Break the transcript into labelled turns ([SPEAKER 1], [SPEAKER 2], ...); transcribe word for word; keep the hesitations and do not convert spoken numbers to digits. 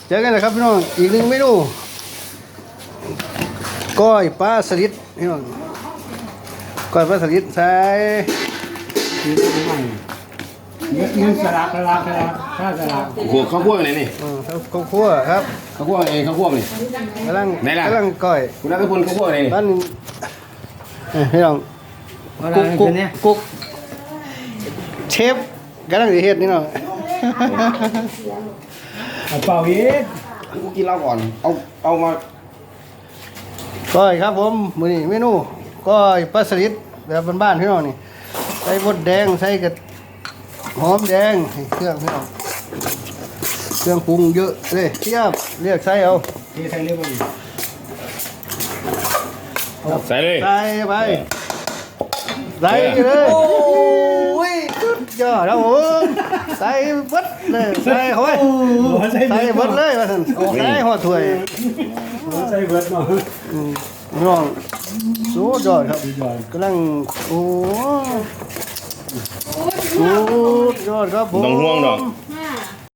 [SPEAKER 1] เจอกันนะครับพี่น้องอีกหนึ่งเมนูก้อยปลาสลิดพี่น้องก้อยปลาสลิดใส่
[SPEAKER 2] ยืนยืนสลักสลักสลักข้าสลัก
[SPEAKER 3] หัวข้าวคั่วไหนนี่
[SPEAKER 1] อืมข้าวคั่วครับ
[SPEAKER 3] ข้าวคั่วเองข้าวคั่วนี่
[SPEAKER 1] กำลัง
[SPEAKER 3] ไหนล่ะ
[SPEAKER 1] กำลังก้อย
[SPEAKER 3] คุณนัทพลข้าวคั่วไหนนี่
[SPEAKER 1] บ้านเอ้ยพี่น้อง
[SPEAKER 2] อะไร
[SPEAKER 1] กุ๊กกุ๊ก
[SPEAKER 2] เนี่ย
[SPEAKER 1] กุ๊กเชฟกำลังสิเฮ็ดนี่เนาะ
[SPEAKER 2] เป่าอีก
[SPEAKER 3] กูกินเหล้าก่อนเอาเอามา
[SPEAKER 1] ก้อยครับผมมื้อนี้เมนูก้อยปลาสลิดแบบบ้านๆพี่น้องนี่ใส่บดแดงใส่กระหอมแดงเครื่องพี่น้องเครื่องปรุงเยอะเลยเทียบเรียกใส่เอา
[SPEAKER 2] ที่ไทยเรียกว่า
[SPEAKER 3] ใส่เลย
[SPEAKER 1] ใส่ไปใส่เลยโอ้ยสุดยอดครับผมใส่เบิดเลยใส่เข้าไปใส่เบิดเลยว่าซั่นใส่หัวถ้วย
[SPEAKER 2] ใส่เบิร์ดเนาะ
[SPEAKER 1] อืมน้องสุดยอดครับกำลังโอ้สุดยอดครับผม
[SPEAKER 3] ต้องห่วงดอก